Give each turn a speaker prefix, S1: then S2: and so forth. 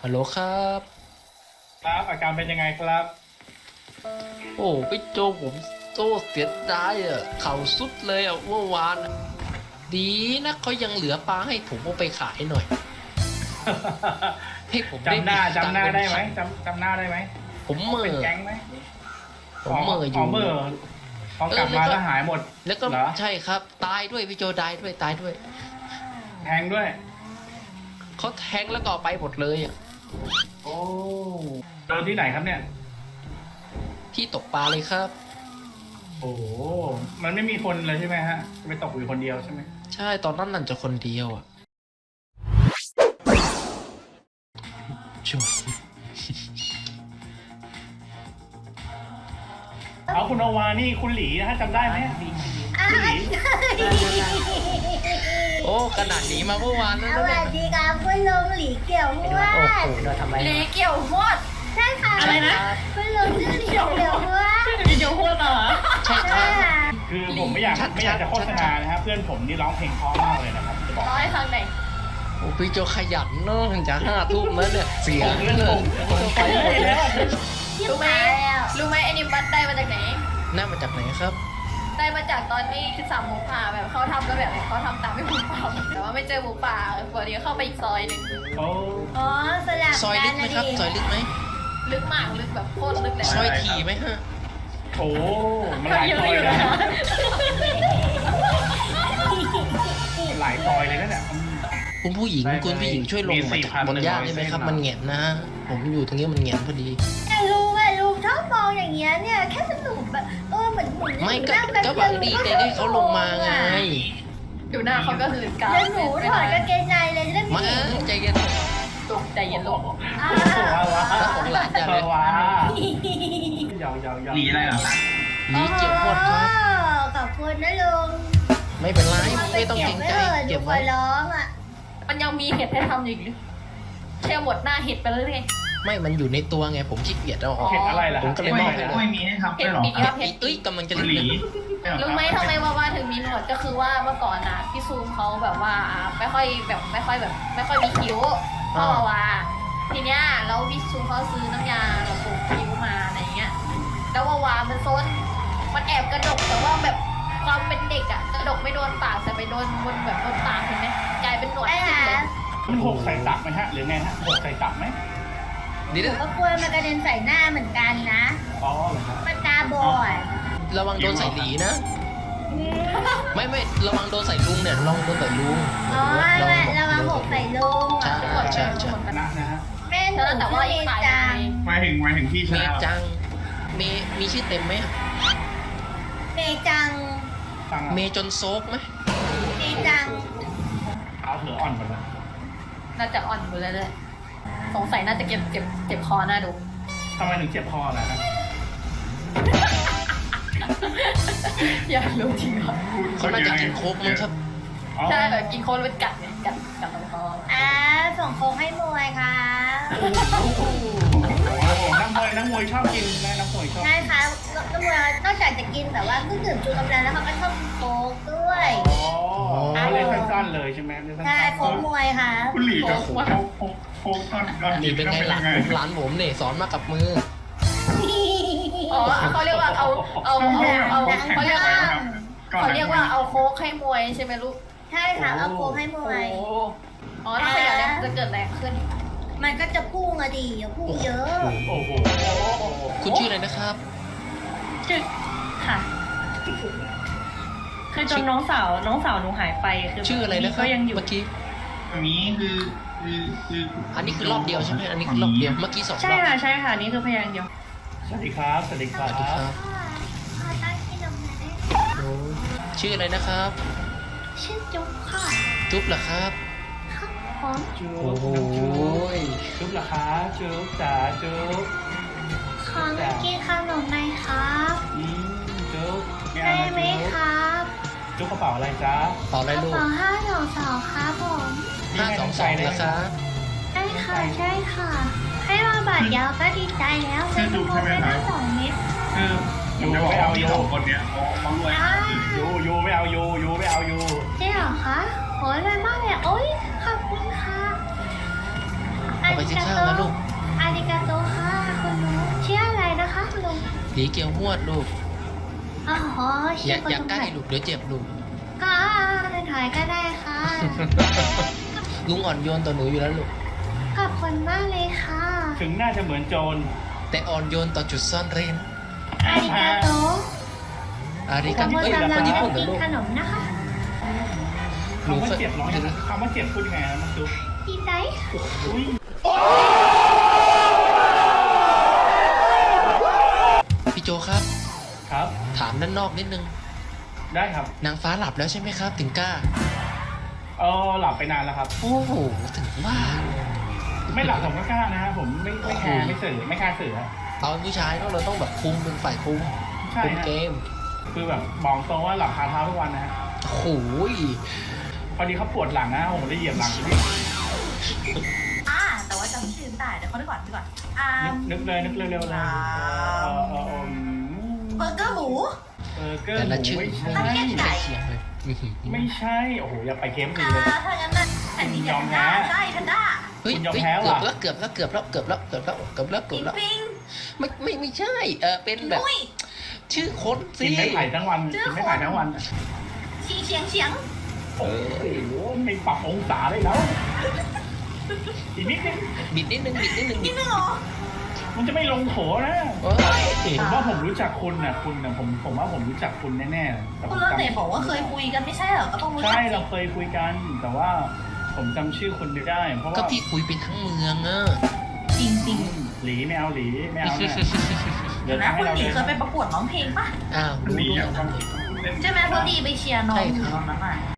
S1: ฮัลโหลครับ
S2: ครับอาการเป็นยังไงครับ
S1: โอ้พี่โจผมโตเสียดายอ่ะเข่าสุดเลยอ่ะเมื่อวานอะดีนะเขายังเหลือปลาให้ผมเอาไปขายหน่อย ให้ผมได้
S2: จำหน้า
S1: มีตังค์
S2: ได้ไหม
S1: เป็นพัน
S2: จำหน้าได้ไหม
S1: ผมเหม่
S2: เป็น
S1: อ
S2: แก๊งไหม
S1: ผมเหม่ออยู่
S2: เมื่อพอกลับมาแล้วหายหมด
S1: แล้วก็
S2: เหรอ
S1: ใช่ครับ ตายด้วยพี่โจตายด้วย
S2: แทงด้วย
S1: เขาแทงแล้วก็เอาไปหมดเลยอ่ะ
S2: โอ้โดนที่ไหนครับเนี่ย
S1: ที่ตกปลาเลยครับ
S2: โอ้โหมันไม่มีคนเลยใช่ไหมฮะไปตกอยู่คนเดียวใช่ไหม
S1: ใช่ตอนนั้นนั่นจะคนเดียวอ่ะชม
S2: เอาคุณโอวานี่คุณหลีนะฮะจำได้ไหมคุณหลี
S1: โอ้ขนาดหนีมาเมื่อวานแล้ว
S3: ส
S1: นะ
S3: วั
S1: เนี่ย
S3: สดีครับคุณลุงหลีเกี่ยวมว
S1: โอ้
S3: ด
S1: โหทำไม
S4: หลีเกี่ยวหมด
S3: ใช่ค่ะ
S4: อะไรนะ
S3: คุณลุงชื่อหลีเกี่ยวมวด
S4: หลีเกี่ยวหมดเหรอ
S1: ใช่ค
S3: ใช่
S1: รับ
S3: ค่ะ
S2: คือผมไม่อยากจะโฆษณานะฮะเพื่อนผมนี่ร้องเพลงเพราะมากเลยนะครับจะบอก
S4: ร้อยฟังไหนอย
S1: โอ้พี่โจขยันเนาะจะ5 ทุ่มแล้วเนี่ยเสียเงินไปหมดเลย
S4: รู้ไหมรู้ไหมไอ้นี่บัตได้มาจากไหน
S1: น่ามาจากไหนครับ
S4: ได้มาจากตอนที่คือสามหมูป่าแบบเขาทำแล้วแบบเขาทำตามไม่หมูป่าแต่ว่าไม่เจอหมูป่าพอดีเข้าไปอีกซอยหนึ่ง
S2: โอ้
S3: อ๋อสลับ
S1: ซอยลึ
S3: กั
S1: ก
S3: น
S1: ไหม
S3: นะครับ
S1: ซอยลึกไหม
S4: ลึกมากลึกแบบโคตรลึกเลย
S1: ซอยถี่ไหมฮะ
S2: โหมันหลายซอยเลยนะหลายซอยเลยนะเนี่ย
S1: คุณผู้หญิง
S2: ได้
S1: คุณผู้หญิงช่วยลง
S2: มี
S1: มาจากบนย่างได้ไหมครับ
S2: 4,100
S1: มันแหงนนะ ผมอยู่ตรงนี้มันแหงนพอดี
S3: แต่ลุงชอบมองอย่างเงี้ยเนี่ยแค่สนุกแบบเหมือนหมุน
S1: ไม่ก็
S3: นั่งแป๊บ
S1: ก็หวังดีแต่ให้เขาลงมาไง
S4: ดูหน้าเขาก็หืนกา
S3: แล้วหนูถอดกางเกงในเลยจะได้
S1: มาใจเย็น
S4: ตกใจเย็นลง
S3: อ่า
S2: ว้าว
S1: แล้วของหลานอย่าเลย
S2: ว้ายาวหลีอะไรเหรอ
S1: หนีเกี่ยวหมดครับ
S3: ขอบคุณนะลุง
S1: ไม่เป็นไรไม่ต้องเกรงใจ
S3: เก็
S1: เก็
S3: บบ ไว้
S1: ไว้
S3: ร้องอ่ะ
S4: มันยังมีเห็ดให้ทำอยู่อีกหรือแค่หมดหน้าเห็ดไปแล้วไง
S1: ไม่มันอยู่ในตัวไงผมขี้เกียจเอาออก
S2: เห็ดอะไรล่ะ
S1: ผมก็เลยมอบให้เลย
S5: ไม่มีให้ทำ
S4: เห็
S5: ได้
S4: ด
S5: หรอ
S4: ปีกครับเห็ด
S1: เอ้ยกำลังจะ
S5: ห
S1: เรี
S5: ลี
S1: ยน
S4: รู้ไหมทำไมว่าถึงมีหนวดก็คือว่าเมื่อก่อนนะพี่ซูมเขาแบบว่าไม่ค่อยมีคิ้วพ่อว่าทีเนี้ยแล้วพี่ซูมเขาซื้อน้ำยาแบบปลูกคิ้วมาอะไรเงี้ยแล้ววามันซนมันแอบกระดกแต่ว่าแบบความเป็นเด็กอะกระดกไม่โดนปากแต่ไปโดนบนแบบโดนปากเห็นไหมกลายเป็นหนวด
S3: ไอ้
S4: ขึ้น
S3: หา
S4: เลย
S2: มันหกใส่ตักไหมฮะหรือไงฮะหกใส่ตักไหม
S1: นี่
S3: ก็กลัวมันกระเด็นใส่หน้าเหมือนกันนะ
S2: อ๋อเหรอครับ
S3: มันตาบอด
S1: ระวังโดนใส่หลีนะ ไม่ระวังโดนใส่ลุงเนี่ยระวังโดนใส่ลุง
S3: อ๋อระวังหกใส่ลุง
S1: ใช่
S3: อ่ะ
S1: ใช่ใช่
S2: นะฮะ
S3: แม่หนู
S4: แต่ว่าอีกฝ่าย
S3: จัง
S5: หมายถึงพี่
S1: เม
S5: ชาย
S1: จังมีชื่อเต็มไหม
S3: เมจัง
S2: ตัง
S1: เมจนโซกไหม
S3: เมจัง
S2: เอาเผืออ่อนหมดเลย
S4: น่าจะอ่อนอยู่เลยเลยสงสัยน่าจะเจ็บคอหน้าดู
S2: ทำไมถึงเจ็บคอล่ะฮะ
S4: อยากรู้จริงเหรอ
S1: เขาน่าจะกินโค้กมั้งครับ
S2: อ๋อ
S4: ใช่แบบกินโคนเป็นกัดเนี่ยกัดลำคอ
S3: ส่งโค้งให้มวยค่ะ
S2: โอ้โหนักมวยชอบกินนะนักมวยชอบ
S3: ใช่ค่ะนักมวยนอกจากจะกินแบบว่าเครื่องดื่มชูกำลังแล้วเขาก็ชอบโค้กด้วย
S2: อ๋อเล่นสั้นๆเลยใช่ไหมเล่นสั้น
S3: ใช่โค้กมวยค่ะ
S5: คุณหลีกับโค้กตอน
S1: นี่เป็นไงหลานผมหลานผมเนี่ยสอนมากับมือ
S4: อ๋อเขาเรียกว่าเอาเขาเรียกว่าเอาโค้กให้มวยใช่ไหมลูก
S3: ใช่ค่ะเอาโค้กให้มวย
S4: อ๋อถ้าขยันแล้วจะเกิดแรงขึ้น
S3: มันก็จะพุ่งอะดิพุ่งเยอะ
S2: โอ้โห
S1: คุณชื่ออะไรนะครับ
S6: ค่ะ คือจนน้องสาวหนูหายไปคือ
S1: ชื่ออะไรนะครับ
S6: ก็ยังอยู่
S1: เมื่อกี้
S5: อันนี้คือ
S1: อันนี้คือรอบเดียวใช่ไหมอันนี้คือรอบเดียวเมื่อกี้2 ร
S6: ใช่
S1: อบ
S6: ค่ะใช่ค่ะนี่คือพยางค์เดียว
S2: สวัสดีครับสวัสดีค
S1: ส
S2: รับ
S1: วัสดีครับ
S3: ขอตั้งที่ลงมาได้
S1: โอ้ชื่ออะไรนะครับ
S3: ชื่อจุ๊บค่ะ
S1: จุ๊บเหรอครับ
S3: ครับผม
S2: จุ๊
S1: โอ้
S2: บ
S1: โห
S2: จุ๊บเหรอคะจุ๊บจ๋าจุ๊บ
S3: ขอมากินขนมไหมครับ
S2: จุ๊บ
S3: ได้ไหมครับ
S2: จุ๊บกระเป๋าอะไรจ๊ะ
S1: ต่ออะไร
S3: กระ
S1: ลูก
S3: เป๋า522ครับผม
S1: 522นะครับ
S3: ใช่ค่ะใช่ค่ะ ให้มาบาทเดียวก็ดีใจแล้วซื้อทุกคนไปทั้ง2 เม็ด
S5: คือผมจะบอกว่าพี่สองคนเนี้ยเขารวย
S3: อ้า
S2: ยูไม่เอายูไม่เอายู
S3: จริงเหรอคะโหยรวยมากเลยโอ๊ยขอบคุณค่ะ อัน
S1: ไปซื้อข้าวนะลูก
S3: อาริกาโตค่ะคุณลุงชื่ออะไรนะคะคุณลุง
S1: ดีเกียวหวดลูก
S3: อ๋อ
S1: อ
S3: ชื่
S1: ย่า
S3: อคุณ
S1: อย่า
S3: ลุง
S1: ใกล้ลูกเดี๋ยวเจ็บลูก
S3: ก็เป็นถอยก็ได้ค่ะ
S1: ลุงอ่อนโยนต่อหนูอยู่แล้วลูก
S3: ขอบคุณมากเลยค่ะ
S2: ถึงน่าจะเหมือนโจร
S1: แต่อ่อนโยนต่อจุดซ่อนเร้น
S3: อาริกาโต
S1: อาริ
S3: ผ
S1: กาม เอ้ย
S3: กำลั
S1: ค
S3: ง
S1: นญี่ปุ่นเหร
S3: กิ
S1: อน ลูก
S3: ขนมนะคะ
S2: คำว่าเจ็บร้องยังไงคำว่าเจ็บพูดยังไงนะมันซุป
S3: ดีใจ
S2: อุ้ย
S1: พี่โจครับ
S2: ครับ
S1: ถามด้านนอกนิดนึง
S2: ได้ครับ
S1: นางฟ้าหลับแล้วใช่ไหมครับ ถึงกล้า
S2: หลับไปนานแล้วครับ
S1: โอ้โห ถึงว่า
S2: ไม่หลับผมก็กล้านะฮะผมไม่แคร์ไม่สื่อไม่แคร์สื่อฮะ
S1: ตอนผู้ชายเราต้องแบบคุมเป็นฝ่ายคุม
S2: ใช่
S1: คุม
S2: ฮะ
S1: เกม
S2: คือแบบบอกตรงว่าหลับคาเท้าทุกวันนะฮะ
S1: โอ้โห
S2: พอดีเขาปวดหลังนะผมเลยเหยียบหลัง
S4: แต่ว่าจำชื่อไม่ได้เดี๋ยวเขาดูก่อน
S2: นึกเร็วๆเลย
S4: เบอร์เกอร์หมู
S2: เกอร์
S1: แต่
S2: ห
S1: ละ
S2: มู
S1: ชื่อ
S2: ไม่
S1: ไม่
S2: ใช่
S1: ใช่เสียงเลยอื้อหือ
S2: ไม่ใช่โอ้โหอย่าไปเข้มสีเลย
S4: ถ้างั้นน่ะแผ่นดิน
S2: ยอมแพ้
S4: ใช่แพนด้า
S1: เฮ้ย
S2: คุณยอม
S1: เฮ้ย
S2: แพ้
S1: เกือบ
S2: ว่ะ
S1: แล้วเกือบแล้วเกือบแล้วเกือบแล้วเกือบแล้วเกือบแล้วเกือบแล้ว
S4: ปิง
S1: ไม่ใช่เป็นแบบ
S4: นุ้ย
S1: ชื่อคนสิ
S2: กินไม่ไผ่ทั้งวันกินไม่ไผ่ทั้งวัน
S4: เฉียง
S2: โอ้โหไม่ปรับองศาเลยแล้วอีกนิดนึง
S1: บิดนิดนึงบิดนิดนึงบิด
S4: นึงเหรอ
S2: มันจะไม่ลงโถนะ
S1: เอ้ย
S2: ผมว่าผมรู้จักคุณนะผมว่าผมรู้จักคุณแน่ๆแต่ผ
S4: คุ
S2: ม
S4: ณเลิศ
S2: จำ
S4: เต๋บอกว่าเคยคุยกันไม่ใช่เหรอก็ต้องรู้จั
S2: ใช่
S4: ก
S2: เราเคยคุยกัน แต่ว่าผมจำชื่อคุณไม่ได้ เพราะ
S1: ก็
S2: ว่า
S1: พี่คุยเป็นทั้งเมืองอะ
S4: จริง
S2: หลีไม่เอาหลีไม่เอาเนี่ย
S4: ๆ
S2: เดี๋ยว
S4: นะ
S2: ทำให้
S4: คุณ
S2: เรา
S4: หลี
S2: เลย
S4: เคยไปประกวดร้องเพลงปะ
S1: อ้าวรู้ด้วยนะ
S4: ใช่ไหมพอดีไปเชียร์น้อง
S1: ใช่
S4: อยู่
S1: ครับ
S4: ตอนนั้นอ่ะ